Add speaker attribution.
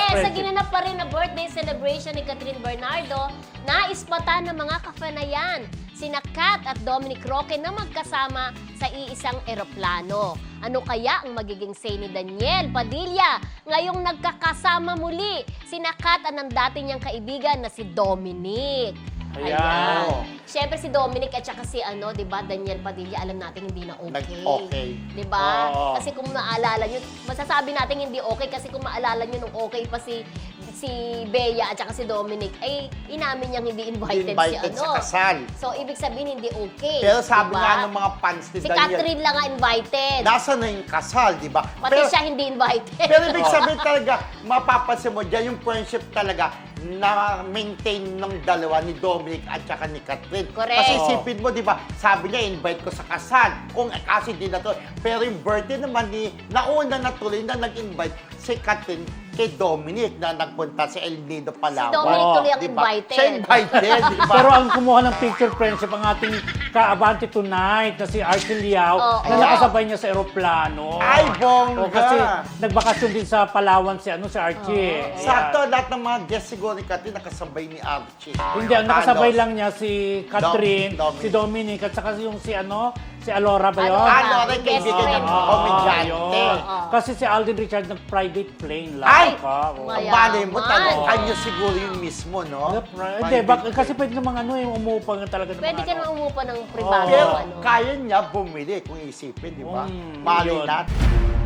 Speaker 1: sa ginanap pa rin na birthday celebration ni Catherine Bernardo, naispatan ng mga kafanayan sina Kat at Dominic Roque na magkasama sa iisang eroplano. Ano kaya ang magiging say ni Daniel Padilla ngayong nagkakasama muli sina Kat at ng dati niyang kaibigan na si Dominic?
Speaker 2: Ayan.
Speaker 1: Siyempre si Dominic at saka si di ba, Daniel Padilla, alam natin hindi na okay.
Speaker 2: Okay.
Speaker 1: Di ba?
Speaker 2: Oo.
Speaker 1: Kasi kung naalala nyo, masasabi natin hindi okay kasi kung maalala nyo nung okay pa si Bea at saka si Dominic, ay inamin niyang hindi invited,
Speaker 2: Invited
Speaker 1: si
Speaker 2: sa kasal.
Speaker 1: So, ibig sabihin hindi okay.
Speaker 2: Pero sabi
Speaker 1: diba?
Speaker 2: nga ng mga fans ni
Speaker 1: Si
Speaker 2: Daniel,
Speaker 1: Catherine lang nga invited.
Speaker 2: nasa na yung kasal, di ba?
Speaker 1: Pati siya hindi invited.
Speaker 2: Pero ibig sabihin talaga, mapapansin mo dyan, yung friendship talaga na maintain ng dalawa ni Dominic at saka ni Catherine.
Speaker 1: Correct.
Speaker 2: Kasi isipin mo, di ba, sabi niya, invite ko sa kasal. Kung kasi di na to. Pero yung birthday naman ni, nauna na tuloy na nag-invite si Catherine kay Dominic na nagpunta sa El Nido, Palawan.
Speaker 1: Si Dominic tuloy ang
Speaker 2: Di ba?
Speaker 1: invited.
Speaker 2: Siya invited, di ba?
Speaker 3: Pero ang kumuha ng picture friendship ang ating ka-Abante Tonight na si Archie Liao
Speaker 1: Oo.
Speaker 3: na nakasabay niya sa eroplano.
Speaker 2: Ay, bongga!
Speaker 3: O, kasi nagbakasyon din sa Palawan si Archie. Ayan.
Speaker 2: Sakto, lahat ng mga guests siguro ni Catherine nakasabay ni Archie.
Speaker 3: Hindi, ang nakasabay lang niya si Catherine,
Speaker 2: Dominic.
Speaker 3: si Dominic, at saka yung si Alora ba yun?
Speaker 1: Alora.
Speaker 2: Ano rin,
Speaker 1: Best
Speaker 2: kaibigan
Speaker 1: friend.
Speaker 2: ng
Speaker 3: Oo,
Speaker 2: komedyante.
Speaker 3: yun. Kasi si Alden Richard nag-private plane lang.
Speaker 2: Ay!
Speaker 3: Oo.
Speaker 1: Mayaman.
Speaker 2: Malay mo talaga,
Speaker 1: Oo.
Speaker 2: kanya siguro yung mismo, no?
Speaker 3: Hindi, kasi pwede namang yung umupa nga talaga ng
Speaker 1: Pwede
Speaker 3: mga
Speaker 1: ka naman umupa ng privado.
Speaker 2: Pero
Speaker 1: ano.
Speaker 2: kaya niya bumili kung isipin, di ba? Malay
Speaker 3: yun.
Speaker 2: natin.